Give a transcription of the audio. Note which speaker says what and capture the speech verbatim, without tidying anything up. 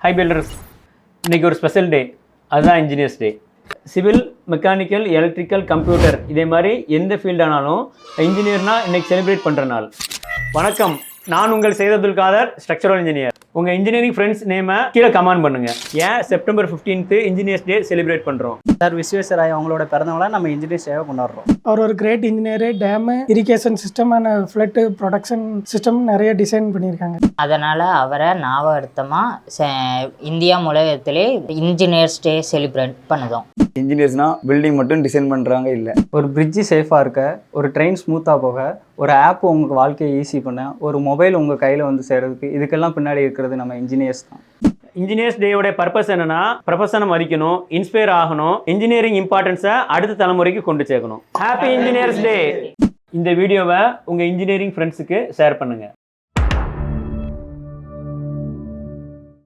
Speaker 1: High filters, இன்றைக்கி ஒரு special day, அதுதான் engineers day. Civil, mechanical, electrical, computer இதே மாதிரி எந்த ஃபீல்டானாலும் இன்ஜினியர்னால் இன்றைக்கி செலிப்ரேட் பண்ணுற நாள். வணக்கம், நான் உங்கள் சையத் அப்துல் காதர், ஸ்ட்ரக்சரல் இன்ஜினியர். உங்கள் இன்ஜினியரிங் ஃப்ரெண்ட்ஸ் நேமை கீழே கமெண்ட் பண்ணுங்கள். ஏன் september fifteenth engineers day celebrate பண்ணுறோம்?
Speaker 2: சார் விஸ்வேஸ்வராய் அவங்களோட பிறந்தவங்கள நம்ம இன்ஜினியர்ஸ் டேவை கொண்டாடுறோம்.
Speaker 3: அவர் ஒரு great engineer, dam, irrigation system and flood production system நிறைய டிசைன் பண்ணியிருக்காங்க.
Speaker 4: அதனால் அவரை ஞாபகார்த்தமாக இந்தியா உலகத்திலே இன்ஜினியர்ஸ் டே செலிப்ரேட் பண்ணுதோம்.
Speaker 5: இன்ஜினியர்ஸ்னால் பில்டிங் மட்டும் டிசைன் பண்ணுறாங்க இல்லை,
Speaker 2: ஒரு பிரிட்ஜு சேஃபாக இருக்க, ஒரு ட்ரெயின் ஸ்மூத்தாக போக, ஒரு ஆப் உங்களுக்கு வாழ்க்கையை ஈஸி பண்ண, ஒரு மொபைல் உங்கள் கையில் வந்து சேர்றதுக்கு, இதுக்கெல்லாம் பின்னாடி இருக்கிறது நம்ம இன்ஜினியர்ஸ் தான்.
Speaker 1: இன்ஜினியர்ஸ் டேயோட பர்பஸ் என்னன்னா, ப்ரொஃபஷனை மதிக்கணும், இன்ஸ்பயர் ஆகணும், இன்ஜினியரிங் இம்பார்ட்டன்ஸை அடுத்த தலைமுறைக்கு கொண்டு சேர்க்கணும். Happy engineers day. இந்த வீடியோவை உங்கள் இன்ஜினியரிங் ஃப்ரெண்ட்ஸுக்கு ஷேர் பண்ணுங்கள்.